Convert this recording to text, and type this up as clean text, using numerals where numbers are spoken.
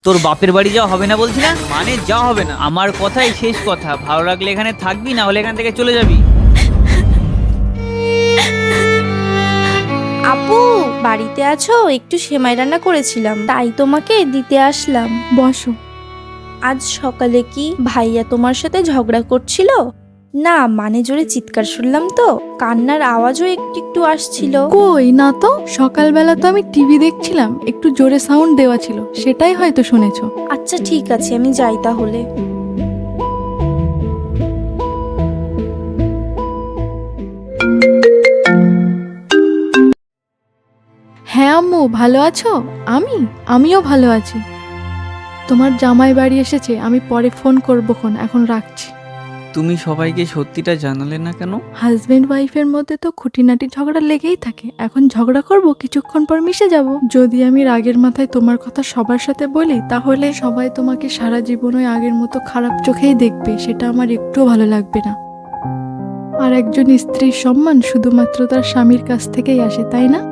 তোর বাপের বাড়ি যাওয়া হবে না বলছি না, মানে যাওয়া হবে না, আমার কথাই শেষ কথা। ভালো লাগলে এখানে থাকবি, না হলে এখান থেকে চলে যাবি। আপু, বাড়িতে আছো? একটু সেমাই রান্না করেছিলাম, তাই তোমাকে দিতে আসলাম। বসো। আজ সকালে কি ভাইয়া তোমার সাথে ঝগড়া করছিল? না মানে জোরে চিৎকার শুনলাম তো, কান্নার আওয়াজও একটু একটু আসছিল। কই না তো, সকালবেলা তো আমি টিভি দেখছিলাম, একটু জোরে সাউন্ড দেওয়া ছিল, সেটাই হয়তো শুনেছো। আচ্ছা ঠিক আছে, আমি যাই তাহলে। হ্যাঁ আম্মু, ভালো আছো? আমিও ভালো আছি। তোমার জামাই বাড়ি এসেছে, আমি পরে ফোন করবো, এখন রাখছি। তুমি সবাইকে সত্যিটা জানালে না কেন? হাজবেন্ড ওয়াইফের মধ্যে তো খুঁটিনাটি ঝগড়া লেগেই থাকে, এখন ঝগড়া করব, কিছুক্ষণ পর মিশে যাব। যদি আমি রাগের মাথায় তোমার কথা সবার সাথে বলি, তাহলে সবাই তোমাকে সারা জীবন ওই আগের মতো খারাপ চোখেই দেখবে, সেটা আমার একটুও ভালো লাগবে না। আর একজন স্ত্রীর সম্মান শুধুমাত্র তার স্বামীর কাছ থেকেই আসে, তাই না?